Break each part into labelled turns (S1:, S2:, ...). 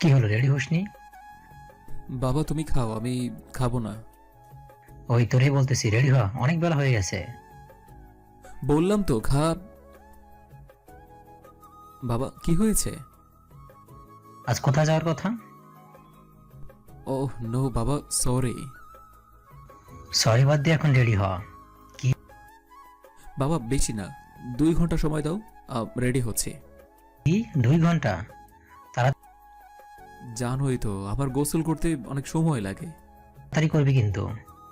S1: কি হলো, রেডি হসনি?
S2: বাবা তুমি খাও, আমি খাবো না।
S1: ওই তোরে বলতেছি, রেডি হ, অনেক বেলা হয়ে গেছে।
S2: বললাম তো খা। বাবা কি হয়েছে?
S1: আজ কোথায় যাওয়ার কথা?
S2: ওহ নো বাবা, সরি।
S1: সরি বাদ দিয়ে এখন রেডি হ। কি?
S2: বাবা বেশি না, 2 ঘন্টা সময় দাও, রেডি হচ্ছি।
S1: 2 ঘন্টা?
S2: জানোই তো আবার গোসল করতে অনেক সময় লাগে।
S1: তাড়াতাড়ি করবি কিন্তু।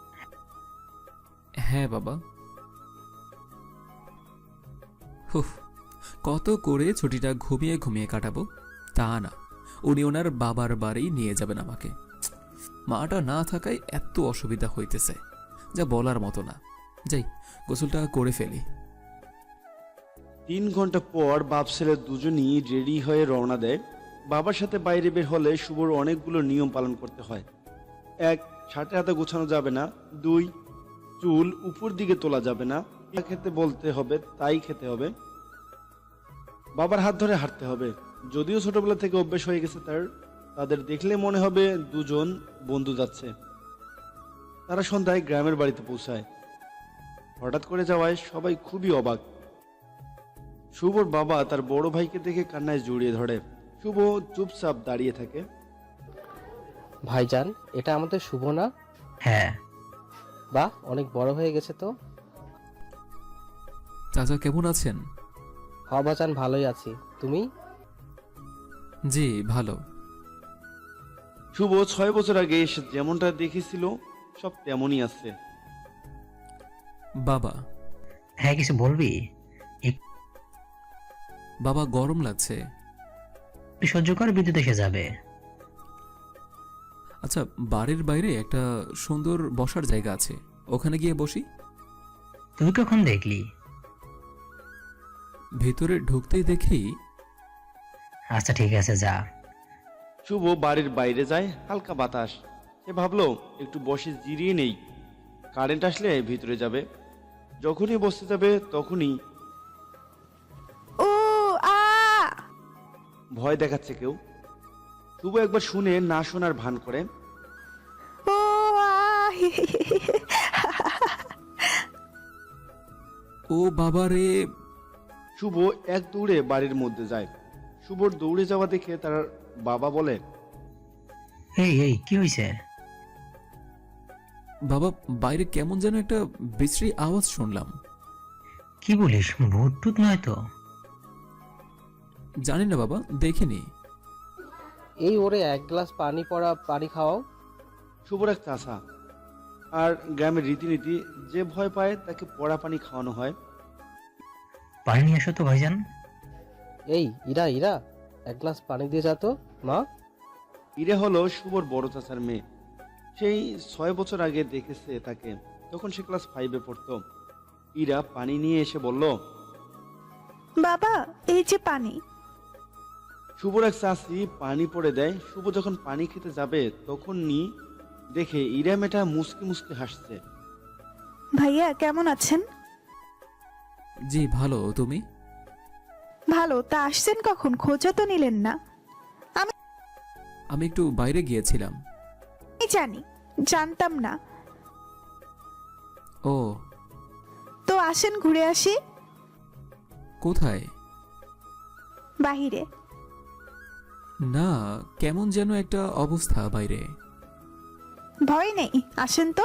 S2: হ্যাঁ বাবা। হুফ, কত করে ছুটিটা ঘুমিয়ে ঘুমিয়ে কাটাবো। তা না, উনি ওনার বাবার বাড়ি নিয়ে যাবেন আমাকে। মাটা না থাকায় এত অসুবিধা হইতেছে, যা বলার মতো না। যাই, গোসলটা করে ফেলি।
S3: 3 ঘন্টা পর বাপ ছেলে দুজনই রেডি হয়ে রওনা দেয়। বাবার সাথে বাইরে বের হলে শুভর অনেকগুলো নিয়ম পালন করতে হয়। 1, ছাটে হাতে গোছানো যাবে না। 2, চুল উপর দিকে তোলা যাবে না। যা খেতে বলতে হবে তাই খেতে হবে। বাবার হাত ধরে হাঁটতে হবে। যদিও ছোটবেলা থেকে অভ্যেস হয়ে গেছে তাদের দেখলে মনে হবে দুজন বন্ধু যাচ্ছে। তারা সন্ধ্যায় গ্রামের বাড়িতে পৌঁছায়। হঠাৎ করে যাওয়ায় সবাই খুবই অবাক। শুভর বাবা তার বড় ভাইকে দেখে কান্নায় জড়িয়ে ধরে। শুভ চুপচাপ দাঁড়িয়ে থাকে।
S4: ভাইজান, এটা আমাদের শুভ না?
S1: হ্যাঁ।
S4: বাহ, অনেক বড় হয়ে গেছে তো।
S2: চাচা কেমন আছেন?
S4: বাজান, ভালোই আছি। তুমি?
S2: জি ভালো।
S3: শুভ 6 বছর আগে এসে যেমনটা দেখেছিল সব তেমনই আছে।
S2: বাবা।
S1: হ্যাঁ, কিছু বলবি?
S2: বাবা গরম লাগছে।
S1: একটু সহ্য কর, বিদ্যুৎ এসে যাবে।
S2: আচ্ছা, বাড়ির বাইরে একটা সুন্দর বসার জায়গা আছে, ওখানে গিয়ে বসি।
S1: তুই কখন দেখলি?
S2: ভেতরে ঢুকতেই দেখি।
S1: আচ্ছা ঠিক আছে, যা।
S3: শুভ বাড়ির বাইরে যায়, হালকা বাতাস। সে ভাবলো একটু বসে জিরিয়ে নেই, কারেন্ট আসলে ভিতরে যাবে। যখনই বসতে যাবে তখনই
S5: ও আ
S3: ভয় দেখাচ্ছে কেউ। শুভ একবার শুনে না শোনার ভান করে।
S5: ও আ
S2: ও বাবা রে!
S3: শুভ এক দৌড়ে বাড়ির মধ্যে যায়। শুভর দৌড়ে যাওয়া দেখে তার বাবা বলে,
S1: এই এই কি হয়েছে?
S2: বাবা, বাইরে কেমন যেন একটা বিশ্রী আওয়াজ শুনলাম।
S1: কি বলিস, ভূত টুত নয় তো?
S2: জানি না বাবা, দেখিনি।
S4: এই ওরে এক গ্লাস পানি পড়া পানি খাওয়াও।
S3: শুভর এক চাষা, আর গ্রামের রীতিনীতি, যে ভয় পায় তাকে পড়া পানি খাওয়ানো হয়।
S1: পানি নিয়ে আসো তো ভাইজান।
S4: এই ইরা ইরা, এক গ্লাস পানি দিয়ে যা তো মা।
S3: ইরে হলো শুভর বড় চাচার মেয়ে। সেই 6 বছর আগে দেখেছে তাকে, তখন সে ক্লাস 5-এ পড়তো। ইরা পানি নিয়ে এসে বলল,
S5: বাবা, এই যে পানি।
S3: শুভর এক চাষি পানি পড়ে দেয়। শুভ যখন পানি খেতে যাবে তখনই দেখে ইরা মেয়েটা মুসকি মুসকি হাসছে।
S5: ভাইয়া কেমন আছেন?
S2: জি ভালো, তুমি?
S5: ভালো। তা আসছেন কখন? খোঁজও তো নিলেন না।
S2: আমি একটু বাইরে গিয়েছিলাম।
S5: আমি জানি, জানতাম না।
S2: ও।
S5: তো আসেন ঘুরে আসি।
S2: কোথায়?
S5: বাহিরে।
S2: না, কেমন যেন একটা অবস্থা বাইরে।
S5: ভয় নেই, আসেন তো।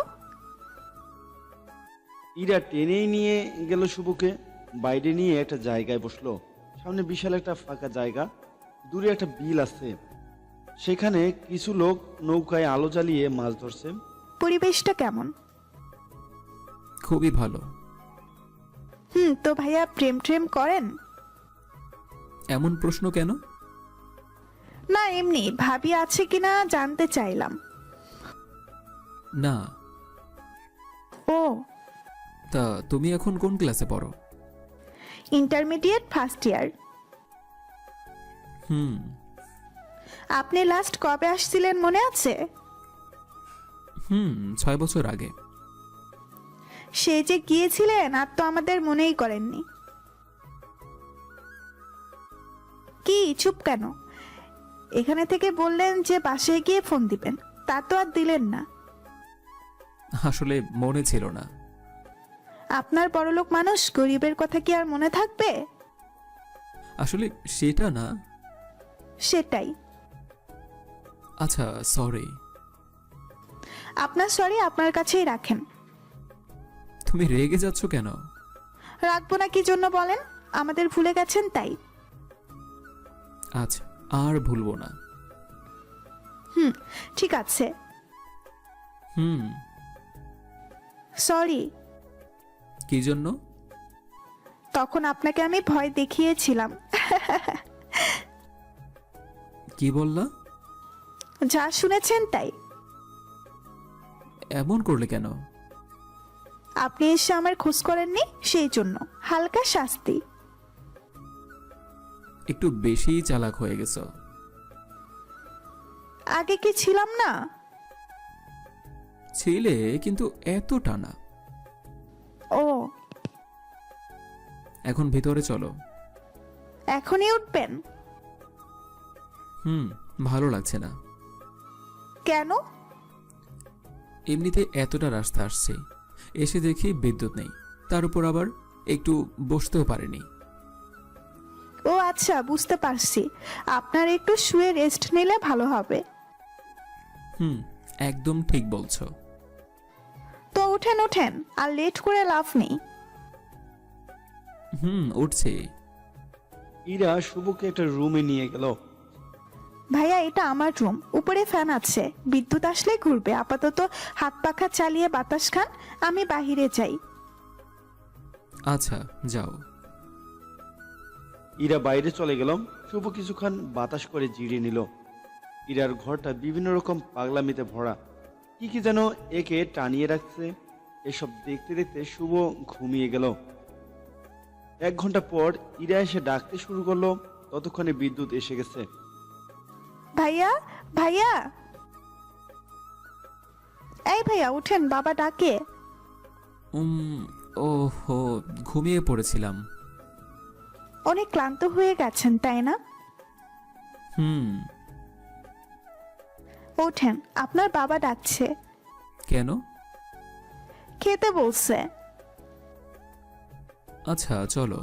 S3: ইরা টেনেই নিয়ে গেল শুভকে। বাইরে নিয়ে একটা জায়গায় বসলো। সামনে বিশাল একটা ফাঁকা জায়গা, দূরে একটা বিল আছে। সেখানে কিছু লোক নৌকায় আলো জ্বালিয়ে মাছ ধরছে।
S5: পরিবেশটা কেমন?
S2: খুবই ভালো।
S5: তো ভাইয়া প্রেম ট্রেম করেন?
S2: এমন প্রশ্ন কেন?
S5: না, এমনি ভাবি আছে কিনা জানতে চাইলাম।
S2: না।
S5: ও,
S2: তা তুমি এখন কোন ক্লাসে পড়ো?
S5: Intermediate first year.
S2: হুম।
S5: আপনি লাস্ট কবে আসছিলেন মনে আছে?
S2: 6 বছর আগে।
S5: সে যে গিয়েছিলেন আর তো আমাদের মনেই করেননি। কি চুপ কেন? এখানে থেকে বললেন যে বাসায় গিয়ে ফোন দিবেন, তা তো আর দিলেন না।
S2: আসলে মনে ছিল না।
S5: আপনার বড়লোক মানুষ, গরিবের কথা কি আর মনে থাকবে?
S2: আসলে সেটা না।
S5: সেটাই।
S2: আচ্ছা, সরি।
S5: আপনার সরি আপনার কাছেই রাখেন।
S2: তুমি রেগে যাচ্ছ কেন?
S5: রাখবো না কি জন্য বলেন? আমাদের ভুলে গেছেন তাই।
S2: আচ্ছা, আর ভুলবো না।
S5: ঠিক আছে।
S2: হুম।
S5: সরি।
S2: কি জন্য?
S5: তখন আপনাকে আমি ভয় দেখিয়েছিলাম।
S2: কি বললা?
S5: যা শুনেছেন তাই।
S2: এমন করলে কেন?
S5: আপনি এসে আমার খোঁজ করেননি, সেই জন্য হালকা শাস্তি।
S2: একটু বেশি চালাক হয়ে গেছো।
S5: আগে কি ছিলাম না?
S2: ছিলে, কিন্তু এতটা না।
S5: ও,
S2: এখন ভিতরে চলো।
S5: এখনই উঠবেন?
S2: ভালো লাগছে না।
S5: কেন?
S2: এমনিতে এতটা রাস্তা আসছে, এসে দেখি বিদ্যুৎ নেই, তার উপর আবার একটু বসতেও পারিনি।
S5: ও আচ্ছা, বুঝতে পারছি। আপনার একটু শুয়ে রেস্ট নিলে ভালো হবে।
S2: একদম ঠিক বলছো।
S5: তো উঠেন উঠেন, আর লেট করে লাভ নেই।
S2: উঠছে।
S3: ইরা শুভকে একটা রুমে নিয়ে গেল।
S5: ভাইয়া, এটা আমার রুম, উপরে ফ্যান আছে, বিদ্যুৎ আসলে ঘুরবে। আপাতত হাত পাখা চালিয়ে বাতাস খান, আমি বাহিরে যাই।
S2: আচ্ছা, যাও।
S3: ইরা বাইরে চলে গেল। শুভ কিছুক্ষণ বাতাস করে জিরিয়ে নিল। ইরার ঘরটা বিভিন্ন রকম পাগলামিতে ভরা, কি কি যেন একে টানিয়ে রাখছে। এসব দেখতে দেখতে শুভ ঘুমিয়ে গেল। 1 ঘন্টা পর ইরা এসে ডাকতে শুরু করলো। ততক্ষণে বিদ্যুৎ এসে গেছে।
S5: ভাইয়া, ভাইয়া, এই ভাইয়া উঠেন, বাবা ডাকে।
S2: ওহো, ঘুমিয়ে পড়েছিলাম।
S5: অনেক ক্লান্ত হয়ে গেছেন তাই না? ওঠেন, আপনার বাবা ডাকছে।
S2: কেন?
S5: খেতে বলছে।
S2: আচ্ছা, চলো।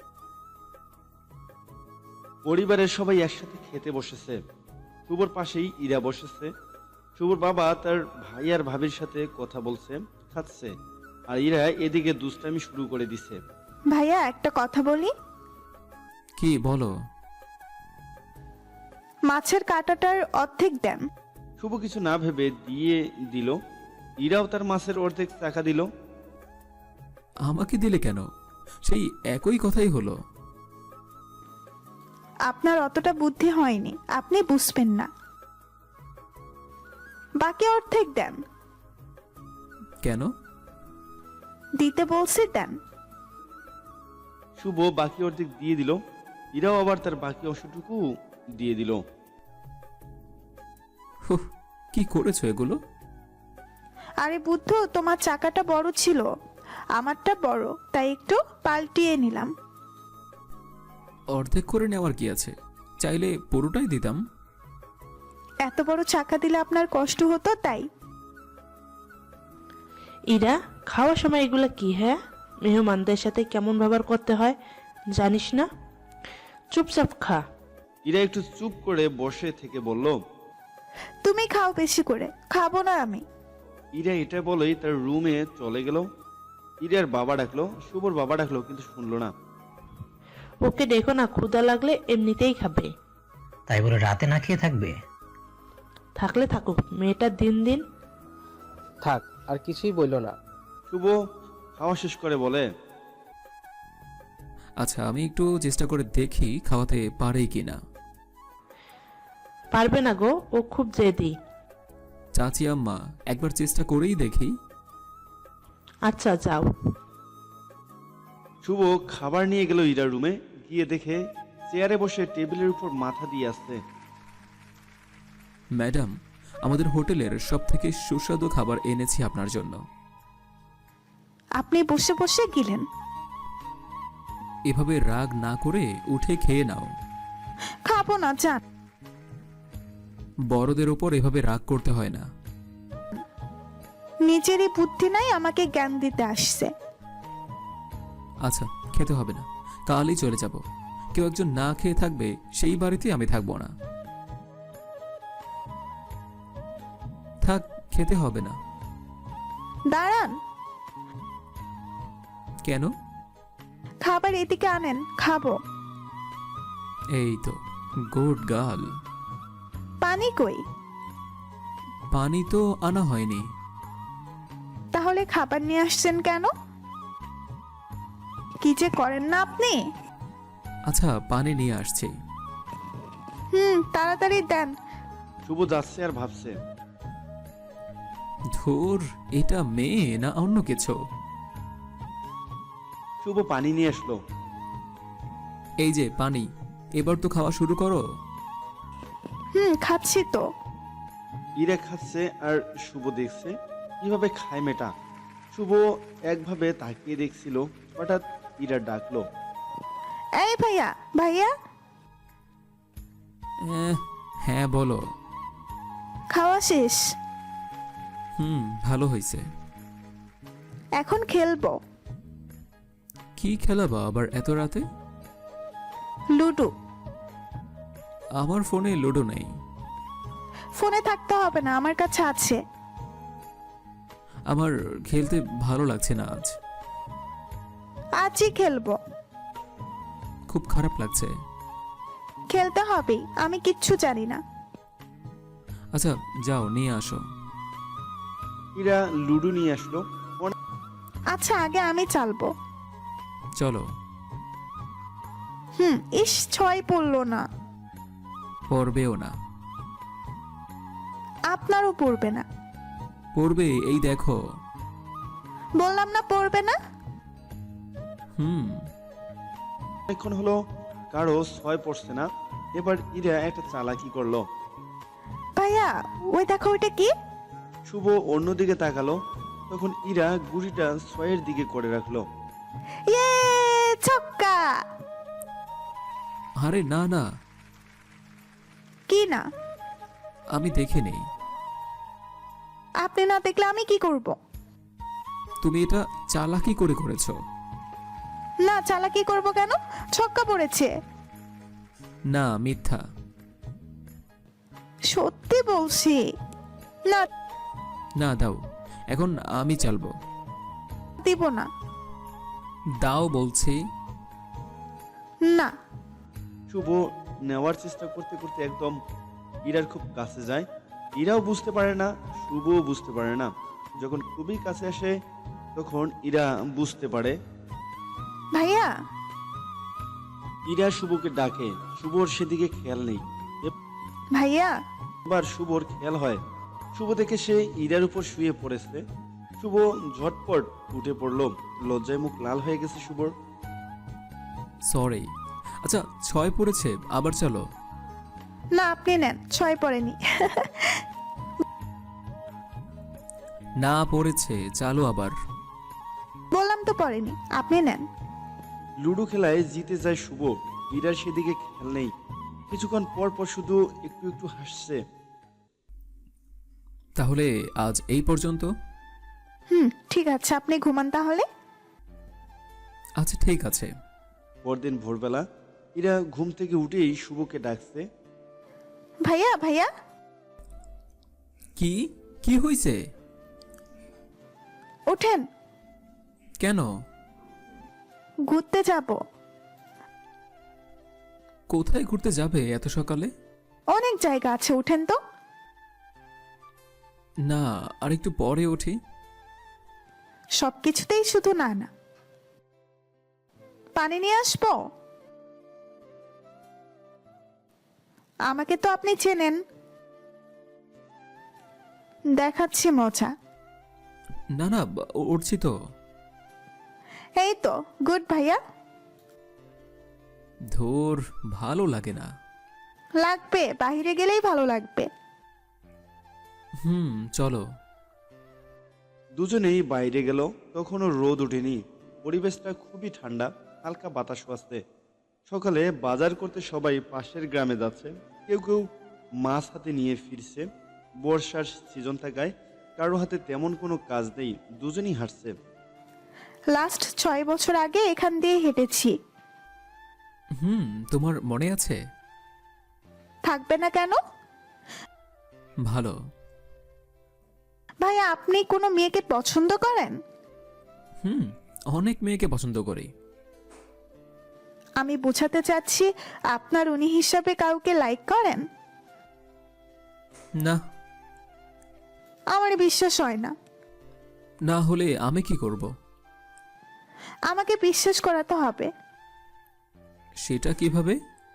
S3: পরিবারের সবাই একসাথে খেতে বসেছে। শুভর পাশেই ইরা বসেছে। শুভর বাবা তার ভাই আর ভাবির সাথে কথা বলছে, খাচ্ছে, আর ইরা এদিকে দুষ্টামি শুরু করে দিছে।
S5: ভাইয়া, একটা কথা বলি।
S2: কি বলো?
S5: মাছের কাঁটাটার অর্ধেক দেন।
S3: শুভ কিছু না ভেবে দিয়ে দিল। ইরাও তার মাছের অর্ধেক টাকা দিল।
S2: আমাকে দিলে কেন? সেই একই কথাই হলো।
S5: আপনার অতটা বুদ্ধি হয়নি, আপনি বুঝবেন না। বাকি অর্ধেক দেন।
S2: কেন?
S5: দিতে বলছি, দেন।
S3: শুভ বাকি অর্ধেক দিয়ে দিল। ইরাও আবার তার বাকি অংশটুকু দিয়ে দিল।
S2: হুহ, কি করেছো এগুলো?
S5: আরে বুদ্ধ, তোমার চাকাটা বড় ছিল, আমারটা বড়, তাই একটু পাল্টিয়ে নিলাম।
S2: অর্ধেক করে নেওয়ার কি আছে? চাইলে পুরোটাই দিতাম।
S5: এত বড় চাকা দিলে আপনার কষ্ট হতো তাই।
S6: ইরা, খাওয়ার সময় এগুলো কি? হ্যাঁ, মেহমানদের সাথে কেমন ব্যবহার করতে হয় জানিস না? চুপচাপ খা।
S3: ইরা একটু চুপ করে বসে থেকে বলল,
S5: তুমি খাও বেশি করে, খাবো না আমি।
S3: ইরা এটা বলেই তার রুমে চলে গেল। ইরার বাবা ডাকলো, শুভর বাবা ডাকলো, কিন্তু শুনলো না।
S6: ওকে দেখো না, ক্ষুধা লাগলে এমনিতেই খাবে।
S1: তাই বলে রাতে না খেয়ে থাকবে?
S6: থাকলে থাকুক, মেয়েটা দিন দিন।
S4: থাক, আর কিছুই বললো না।
S3: শুভ খাওয়া শেষ করে বলে,
S2: আচ্ছা, আমি একটু চেষ্টা করে দেখি খাওয়াতে পারে কিনা।
S6: পারবে না গো, ও খুব জেদি।
S2: চাচি আম্মা, একবার চেষ্টা করেই দেখি।
S6: আচ্ছা, যাও।
S3: শুভ খাবার নিয়ে গেল ইরার রুমে। গিয়ে দেখে চেয়ারে বসে টেবিলের উপর মাথা দিয়ে আসছে।
S2: ম্যাডাম, আমাদের হোটেলের সবথেকে সুস্বাদু খাবার এনেছি আপনার জন্য।
S5: আপনি বসে বসে গিলেন।
S2: এভাবে রাগ না করে উঠে খেয়ে নাও।
S5: খাবো না, যান।
S2: বড়দের ওপর এভাবে রাগ করতে হয় না।
S5: নিজেরই বুদ্ধি নাই, আমাকে জ্ঞান দিতে আসছে।
S2: আচ্ছা, খেতে হবে না, কালই চলে যাব। কেউ একজন না খেয়ে থাকবে, সেই বাড়িতে আমি থাকবো না। থাক, খেতে হবে না।
S5: দাঁড়ান,
S2: কেন?
S5: খাবার এদিকে আনেন, খাবো।
S2: এই তো, গুড গার্ল।
S5: পানি কই?
S2: পানি তো আনা হয়নি।
S5: তাহলে খাবার নিয়ে আসছেন কেন? কি যে করেন না আপনি।
S2: আচ্ছা, পানি নিয়ে আসছি।
S5: তাড়াতাড়ি দেন।
S3: শুভ যাচ্ছে আর ভাবছে,
S2: ধুর, এটা মেয়ে না অন্য কিছু।
S3: শুভ পানি নিয়ে আসলো।
S2: এই যে পানি, এবার তো খাওয়া শুরু করো।
S5: খাচ্ছি তো।
S3: ইরা খাচ্ছে আর শুভ দেখছে কিভাবে খায় মেয়েটা। শুভ একভাবে তাকিয়ে দেখছিল, হঠাৎ ইরা ডাকলো,
S5: এই ভাইয়া, ভাইয়া।
S2: হ্যাঁ বলো।
S5: খাওয়া শেষ,
S2: ভালো হয়েছে।
S5: এখন খেলবো।
S2: কি খেলাবা আবার এত রাতে?
S5: লুডো।
S2: আমার ফোনে লুডো নেই।
S5: ফোনে থাকতে হবে না, আমার কাছে আছে।
S2: আমার খেলতে ভালো লাগছে না আজ।
S5: আজই খেলবো।
S2: খুব খারাপ লাগছে।
S5: খেলতে হবেই, আমি কিচ্ছু জানি না।
S2: আচ্ছা, যাও নিয়ে আসো।
S3: ইরা লুডো নিয়ে আসলো।
S5: আচ্ছা, আগে আমি চালবো।
S2: চলো।
S5: ইস, 6 পড়লো না।
S2: পড়বেও না।
S5: আপনারও পড়বে না।
S2: পড়বে, এই দেখো।
S5: বললাম না পড়বে না।
S3: অনেকক্ষণ হলো কারো 6 পড়ছে না। এবার ইরা একটা চালাকি করলো।
S5: ভাইয়া, ওই দেখো, ওইটা কি?
S3: শুভ অন্যদিকে তাকালো, তখন ইরা গুড়িটা 6-এর দিকে করে রাখলো।
S5: ইয়ে, ছক্কা।
S2: আরে না না,
S5: কি না?
S2: আমি দেখে নেই।
S5: আপনি না দেখলে আমি কি করব?
S2: তুমি এটা চালাকি করে করেছো।
S5: না, চালাকি করব কেন? ছক্কা পড়েছে।
S2: না, মিথ্যা।
S5: সত্যি বলছি। না,
S2: না, দাও, এখন আমি চালবো।
S5: দিব না।
S2: দাও বলছি।
S5: না।
S3: শুভ নেওয়ার চেষ্টা করতে করতে একদম ইরার খুব কাছে যায়। ইরাও বুঝতে পারে না, শুভও বুঝতে পারে না। যখন খুবই কাছে আসে তখন ইরা বুঝতে পারে।
S5: ভাইয়া।
S3: ইরা শুভকে ডাকে, শুভর সেদিকে খেয়াল নেই।
S5: ভাইয়া।
S3: এবার শুভর খেয়াল হয়, শুভ দেখে সে ইরার উপর শুয়ে পড়েছে। শুভ ঝটপট উঠে পড়লো, লজ্জায় মুখ লাল হয়ে গেছে শুভর।
S2: সরি। আচ্ছা, 6 পড়েছে, আবার চলো।
S5: না, আপনি নেন, 6 পড়েনি।
S2: না, পড়েছে, চালো আবার।
S5: বললাম তো পড়েনি, আপনি নেন।
S3: লুডো খেলায় জিতে যায় শুভ, ইরার সেদিকে খেয়াল নেই। কিছুক্ষণ পর পর শুধু একটু একটু হাসছে।
S2: তাহলে আজ এই পর্যন্ত।
S5: ঠিক আছে, আপনি ঘুমান তাহলে।
S2: আচ্ছা, ঠিক আছে।
S3: পরদিন ভোরবেলা ইরা ঘুম থেকে উঠেই শুভকে ডাকছে।
S5: ভাইয়া, ভাইয়া।
S2: কি কি হয়েছে?
S5: ওঠেন।
S2: কেন?
S5: ঘুরতে যাব।
S2: কোথায় ঘুরতে যাবে এত সকালে?
S5: অনেক জায়গা আছে, ওঠেন তো।
S2: না, আর একটু পরে উঠি।
S5: সবকিছুতেই শুধু না না। পানি নিয়ে আসবো? আমাকে তো আপনি চেনেন। দেখাচ্ছি মজা।
S2: না না, উঠছি তো।
S5: এই তো, গুড ভাইয়া।
S2: ধুর, ভালো লাগে না।
S5: লাগবে, বাইরে গেলেই ভালো লাগবে।
S2: চলো।
S3: দুজনেই বাইরে গেল, তখনও রোদ ওঠেনি। পরিবেশটা খুবই ঠান্ডা, হালকা বাতাস আসছে। সকালে বাজার করতে সবাই পাশের গ্রামে যাচ্ছে। কেউ কেউ মাছ হাতে নিয়ে ফিরছে। বর্ষার সিজন থাকায় কারো হাতে তেমন কোনো কাজ নেই, দুজনেই হাঁটছে।
S5: লাস্ট 6 বছর আগে এখান দিয়ে হেঁটেছি।
S2: তোমার মনে আছে?
S5: থাকবে না কেন?
S2: ভালো।
S5: ভাইয়া আপনি কোনো মেয়েকে পছন্দ করেন?
S2: অনেক মেয়েকে পছন্দ করি।
S5: আমি বোঝাতে চাচ্ছি আপনার উনি হিসাবে কাউকে লাইক করেন?
S2: না।
S5: আমার বিশ্বাস হয় না।
S2: না হলে আমি কি করব?
S5: আমাকে বিশ্বাস করাতে হবে।
S2: সেটা কিভাবে?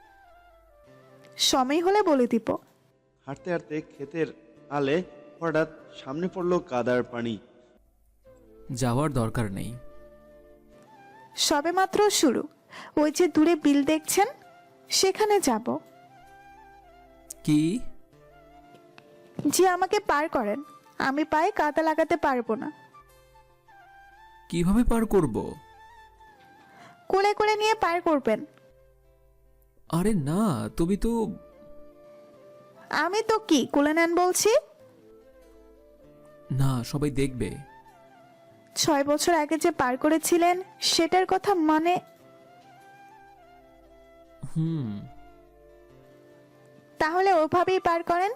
S5: সময় হলে বলে দিব।
S3: হাঁটতে হাঁটতে ক্ষেতের আলে হঠাৎ সামনে পড়লো কাদার পানি।
S2: যাওয়ার দরকার নেই।
S5: সবেমাত্র শুরু। ওই যে দূরে বিল দেখছেন, সেখানে যাব।
S2: কি?
S5: যে আমাকে পার করেন, আমি পায়ে কাদা লাগাতে পারবো না।
S2: কিভাবে পার করব?
S5: কোলে করে নিয়ে পার করবেন।
S2: আরে না, তুমি তো।
S5: আমি তো কি কোলে নেন বলছি?
S2: না, সবাই দেখবে।
S5: 6 বছর আগে যে পার করেছিলেন সেটার কথা মানে? তাহলে ওভাবেই পার করেন।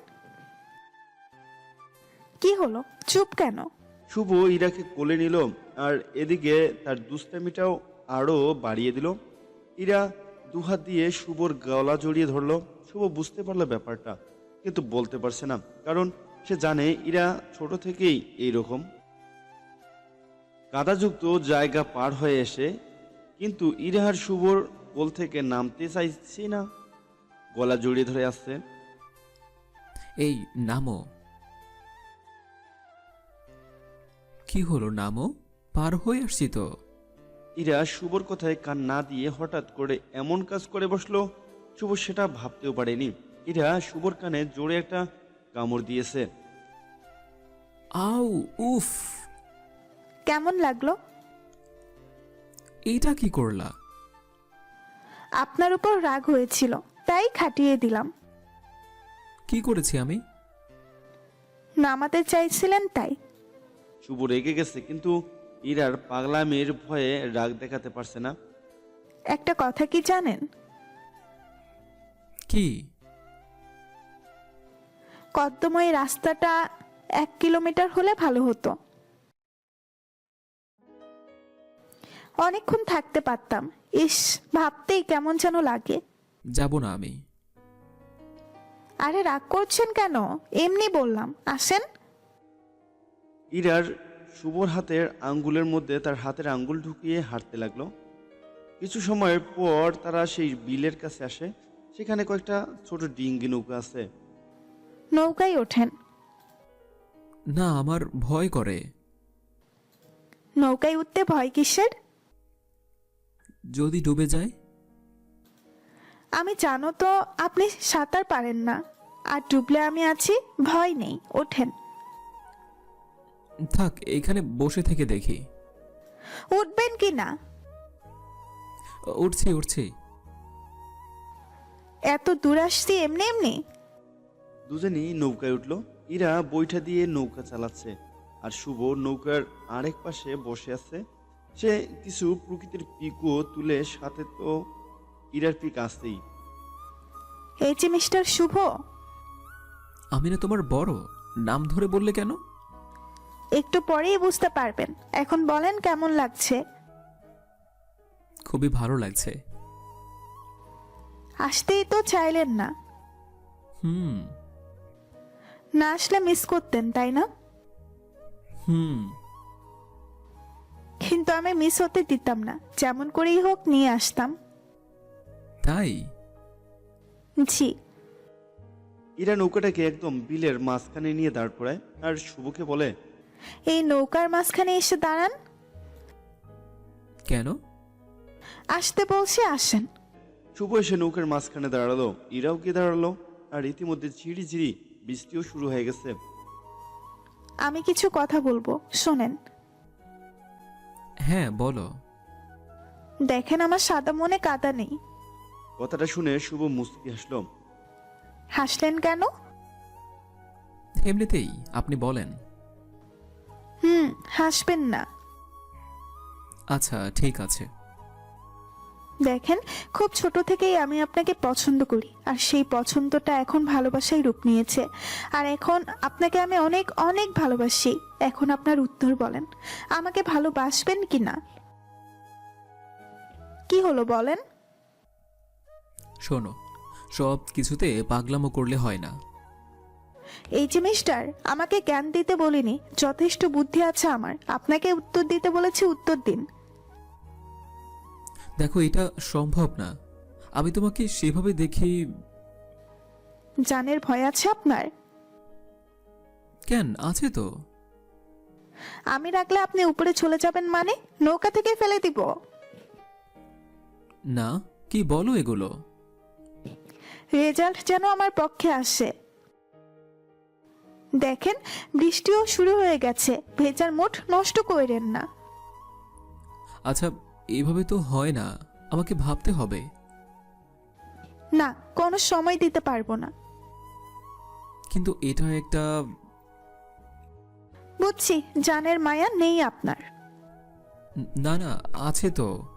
S5: কি হলো, চুপ কেন?
S3: শুভ ইরাকে কোলে নিল আর এদিকে তার দুষ্টামিটাও আরো বাড়িয়ে দিল। ইরা দুহাত দিয়ে শুভর গলা জড়িয়ে ধরলো। শুভ বুঝতে পারলো ব্যাপারটা, কিন্তু বলতে পারছে না, কারণ সে জানে ইরা ছোট থেকেই এইরকম। কাদাযুক্ত জায়গা পার হয়ে এসে কিন্তু ইরা আর শুভর কোল থেকে নামতে চাইছি না, গলা জড়িয়ে ধরে আসছে।
S2: এই নামো। কি হলো, নামো। পার হয়ে আসছি তো।
S3: ইরা শুভর কথায় কান না দিয়ে হঠাৎ করে এমন কাজ করে বসলো, শুভ সেটা ভাবতেও পারেনি। ইরা শুভর কানে জোরে একটা কামড় দিয়েছে।
S2: আউ, উফ।
S5: কেমন লাগলো?
S2: এইটা কি করলা?
S5: আপনার উপর রাগ হয়েছিল, তাই খাটিয়ে দিলাম।
S2: কি করেছি আমি?
S5: নামাতে চাইছিলেন তাই।
S3: শুভ রেগে গেছে, কিন্তু ইরার পাগলামির ভয়ে রাগ দেখাতে পারছে না।
S5: একটা কথা কি জানেন?
S2: কি?
S5: কদ্দময় রাস্তাটা 1 কিলোমিটার হলে ভালো হতো। অনেকক্ষণ থাকতে পারতাম। ইস, ভাবতেই কেমন যেন লাগে।
S2: যাব না আমি।
S5: আরে রাগ করছেন কেন? এমনি বললাম, আসেন।
S3: ইরার শুভর হাতের আঙ্গুলের মধ্যে তার হাতের আঙ্গুল ঢুকিয়ে হাঁটতে লাগলো। কিছু সময় পর তারা সেই বিলের কাছে আসে। সেখানে কয়েকটা ছোট ডিঙ্গি নৌকা আছে।
S5: নৌকায় ওঠেন।
S2: না, আমার ভয় করে।
S5: নৌকায় উঠতে ভয় কিসের?
S2: যদি ডুবে যায়?
S5: আমি জানো তো আপনি সাঁতার পারেন না, আর ডুবলে আমি আছি, ভয় নেই, ওঠেন।
S2: থাক, এখানে বসে থেকে দেখি।
S5: উঠবেন কি না?
S2: উঠছি উঠছি।
S5: এত দূর আসছি এমনি এমনি?
S3: দুজনই নৌকায় উঠলো। ইরা বৈঠা দিয়ে নৌকা চালাচ্ছে আর শুভ নৌকার আরেক পাশে বসে আছে। সে কিছু প্রকৃতির পিকও তুলে, সাথে তো ইরার পিক আসতেই।
S5: এই যে মিস্টার শুভ।
S2: আমি না তোমার বড়? নাম ধরে বললে কেন?
S5: একটু পরেই বুঝতে পারবেন। এখন বলেন কেমন লাগছে?
S2: খুবই ভালো লাগছে।
S5: আসতেই তো চাইলেন না। না আসলে মিস করতেন, তাই না? কিন্তু আমি মিস হতে দিতাম না, যেমন করেই হোক নিয়ে আসতাম।
S2: তাই?
S5: জি।
S3: ইরা নৌকাটাকে একদম বিলের মাঝখানে নিয়ে দাঁড় করায় আর শুভকে বলে,
S5: এই নৌকার মাঝখানে এসে দাঁড়ান।
S2: কেন?
S5: আসতে বলছি, আসেন।
S3: শুভ এসে নৌকার মাঝখানে দাঁড়ালো। ইরাও গিয়ে দাঁড়ালো। আর ইতিমধ্যে ঝিরি ঝিরি বৃষ্টিও শুরু হয়ে গেছে।
S5: আমি কিছু কথা বলবো, শোনেন।
S2: হ্যাঁ, বলো।
S5: দেখেন আমার সাদা মনে কাদা নেই।
S3: কথাটা শুনে শুভ মুচকি হাসলো।
S5: হাসলেন কেন?
S2: এমনিতেই, আপনি বলেন।
S5: হাসবেন না।
S2: আচ্ছা ঠিক আছে।
S5: দেখেন, খুব ছোট থেকেই আমি আপনাকে পছন্দ করি, আর সেই পছন্দটা এখন ভালোবাসায় রূপ নিয়েছে। আর এখন আপনাকে আমি অনেক অনেক ভালোবাসি। এখন আপনার উত্তর বলেন, আমাকে ভালোবাসবেন কি না? কি হলো বলেন?
S2: শোনো, সব কিছুতে পাগলামো করলে হয় না।
S5: এই যে মিস্টার, আমাকে জ্ঞান দিতে বলিনি, যথেষ্ট বুদ্ধি আছে আমার। আপনাকে উত্তর দিতে বলেছি, উত্তর দিন।
S2: দেখো, এটা সম্ভব না। আমি তোমাকে সেভাবে দেখি।
S5: জানের ভয় আছে আপনার?
S2: কেন, আছে তো।
S5: আমি রাখলে আপনি উপরে চলে যাবেন মানে? নৌকা থেকে ফেলে দিব?
S2: না, কি বলো এগুলো?
S5: রেজাল্ট যেন আমার পক্ষে আসে। দেখেন, বৃষ্টিও শুরু হয়ে গেছে, ভেজার মুড নষ্ট করেন না।
S2: আচ্ছা, এইভাবে তো হয় না, আমাকে ভাবতে হবে।
S5: না, কোনো সময় দিতে পারবো না।
S2: কিন্তু এটা একটা।
S5: বুঝছি, জানের মায়া নেই আপনার।
S2: না না, আছে তো।